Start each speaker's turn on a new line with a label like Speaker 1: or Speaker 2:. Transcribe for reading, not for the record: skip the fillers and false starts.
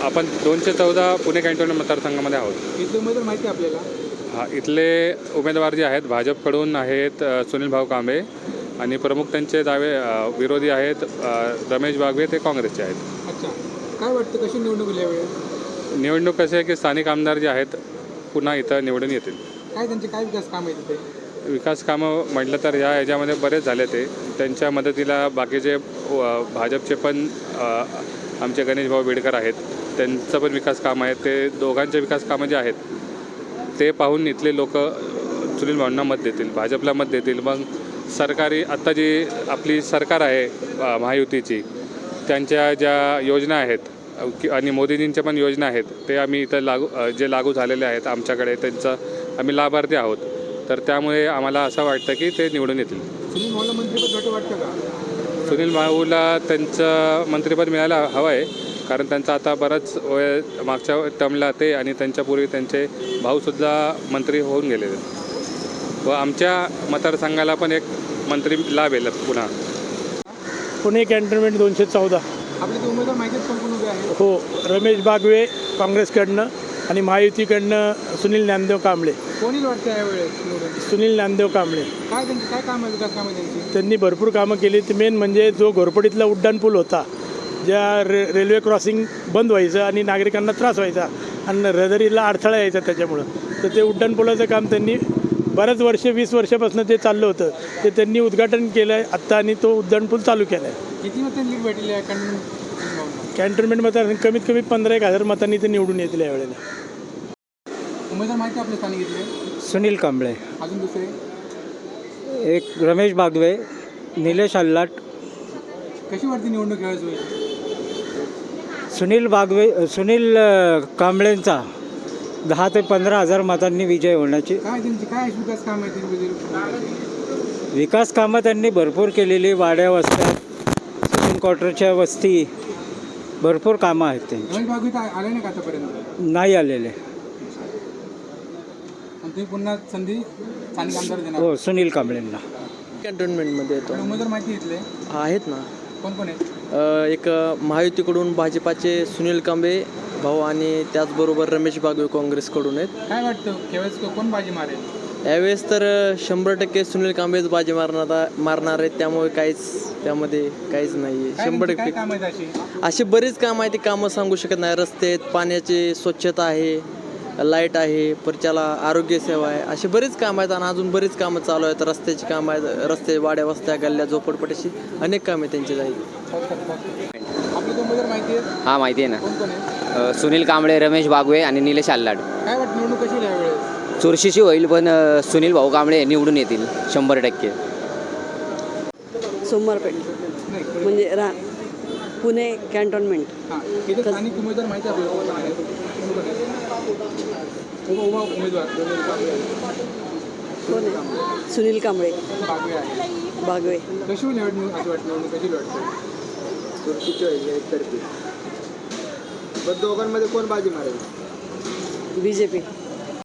Speaker 1: आपण 214 पुणे कॅन्टोन्मेंट मतदारसंघामध्ये आहोत.
Speaker 2: इथले उमेदवार माहिती आहे आपल्याला?
Speaker 1: हा, इथले उमेदवार जे आहेत भाजपकडून आहेत सुनील भाऊ कांबळे आणि प्रमुख त्यांचे विरोधी आहेत रमेश बागवे, ते काँग्रेसचे आहेत.
Speaker 2: अच्छा, काय वाटतं कशी निवडणूक होईल यावेळेस?
Speaker 1: निवडणूक कशी आहे की स्थानिक आमदार जे आहेत पुन्हा इथं निवडून येतील.
Speaker 2: काय त्यांचे काय विकास काम आहे तिथे?
Speaker 1: विकास कामं म्हटलं तर ह्याच्यामध्ये बरेच झाले. त्यांच्या मदतीला बाकीचे भाजपचे पण आमचे गणेश भाऊ बेडकर आहेत, त्यांचं पण विकास काम आहे. ते दोघांचे विकास कामं जे आहेत ते पाहून इथले लोक सुनील भाऊंना मत देतील, भाजपला मत देतील. मग सरकारी आत्ता जी आपली सरकार आहे महायुतीची, त्यांच्या ज्या योजना आहेत आणि मोदीजींच्या पण योजना आहेत ते आम्ही इथं लागू झालेले आहेत आमच्याकडे, त्यांचं आम्ही लाभार्थी आहोत. तर त्यामुळे आम्हाला असं वाटतं की ते निवडून येतील.
Speaker 2: सुनील भाऊला मंत्रिपद वाटतं का?
Speaker 1: सुनील भाऊला त्यांचं मंत्रिपद मिळायला हवं आहे, कारण त्यांचा आता बराच वय मागच्या टर्मला ते आणि त्यांच्यापूर्वी त्यांचे भाऊसुद्धा मंत्री होऊन गेलेले व आमच्या मतदारसंघाला पण एक मंत्री लाभेल पुन्हा.
Speaker 3: पुणे कॅन्टोन्मेंट 214.
Speaker 2: आपले ते उमेदवार माहिती आहेत कोण उभे आहेत?
Speaker 3: हो, रमेश बागवे काँग्रेसकडनं आणि महायुतीकडनं सुनील ज्ञानदेव कांबळे.
Speaker 2: कोणी वाटतं यावेळेस निवडून?
Speaker 3: सुनील ज्ञानदेव कांबळे.
Speaker 2: काय त्यांची काय काम आहे, विकास काम आहे त्यांची?
Speaker 3: त्यांनी भरपूर कामं केली. ते मेन म्हणजे जो घोरपडीतला उड्डाणपूल होता, ज्या रेल्वे क्रॉसिंग बंद व्हायचं आणि नागरिकांना त्रास व्हायचा आणि रहदारीला अडथळा यायचा त्याच्यामुळं, तर ते उड्डाणपुलाचं काम त्यांनी बऱ्याच 20 वर्षापासून ते चाललं होतं. ते त्यांनी उद्घाटन केलं आहे आत्ता आणि तो उड्डाणपूल चालू केला आहे.
Speaker 2: किती मतं लीड भेटले आहे
Speaker 3: कॅन्टोन्मेंटमध्ये कमीत कमी 15,000 मतांनी ते निवडून येतील यावेळेला.
Speaker 2: उमेदवार माहिती आपले स्थानिक इथले?
Speaker 4: सुनील कांबळे,
Speaker 2: अजून दुसरे?
Speaker 4: एक रमेश बागवे, निलेश आल्लाट.
Speaker 2: कशी वाटते निवडणूक यावेळेस होईल?
Speaker 4: सुनील कांबळेंचा 10 ते 15,000 मतांनी विजय होण्याची.
Speaker 2: काय त्यांची काय विकास काम आहे त्यांची?
Speaker 4: विकास कामं त्यांनी भरपूर केलेली. वाड्या वस्त्या, सुप्रीम क्वार्टरच्या वस्ती, भरपूर कामं आहेत त्यांची.
Speaker 2: रमेश बागवे आले नाही का आतापर्यंत?
Speaker 4: नाही आलेले.
Speaker 2: आणि तुम्ही पुन्हा संधी स्थानिक आमदार देणार?
Speaker 4: हो, सुनील कांबळेंना.
Speaker 5: कॅन्टोन्मेंटमध्ये येतो.
Speaker 2: उमेदवार माहिती इथले
Speaker 5: आहेत ना.
Speaker 2: कोण कोण आहेत?
Speaker 5: एक महायुतीकडून भाजपाचे सुनील कांबळे भाऊ आणि त्याचबरोबर रमेश बागवे काँग्रेसकडून आहेत.
Speaker 2: काय वाटतं यावेळेस कोण बाजी मारेल?
Speaker 5: यावेळेस तर 100% सुनील कांबळेच बाजी मारणार आहेत. त्यामुळे त्यामध्ये काहीच नाही आहे. 100%
Speaker 2: काम आहेत अशी?
Speaker 5: अशी बरीच कामं आहेत, ती कामं सांगू शकत नाही. रस्ते आहेत, पाण्याची स्वच्छता आहे, लाईट आहे, परच्याला आरोग्य सेवा आहे, अशी बरीच कामं आहेत. आणि अजून बरीच कामं चालू आहेत. रस्त्याची कामं आहेत, रस्ते, वाड्या वस्त्या, गल्ल्या, झोपडपट्टीची अनेक कामे त्यांची जाईल.
Speaker 2: आपले उमेदवार माहिती आहेत?
Speaker 6: हां, माहिती आहे ना.
Speaker 2: कोण कोण आहे?
Speaker 6: सुनील कांबळे, रमेश बागवे आणि निलेश आल्लाड.
Speaker 2: काय वाटतं निवडणूक कशी होईल यावेळेस?
Speaker 6: चुरशीची होईल, पण सुनील भाऊ कांबळे निवडून येतील 100%.
Speaker 7: सोमवारपेठ
Speaker 2: नाही
Speaker 7: म्हणजे पुणे कॅन्टोन्मेंट.
Speaker 2: हां, इथे स्थानिक उमेदवार माहिती आहे आपल्याला कोण आहेत? उभा उमेदवार
Speaker 7: कोण आहे? सुनील कांबळे
Speaker 2: बागवे आहे.
Speaker 7: बागवे.
Speaker 2: कशी होईल निवडणूक? असं वाटतं निवडणूक कशी वाटतं? चुरशीची होईल एकतर्फी. पण दोघांमध्ये कोण बाजी मारेल?
Speaker 7: BJP.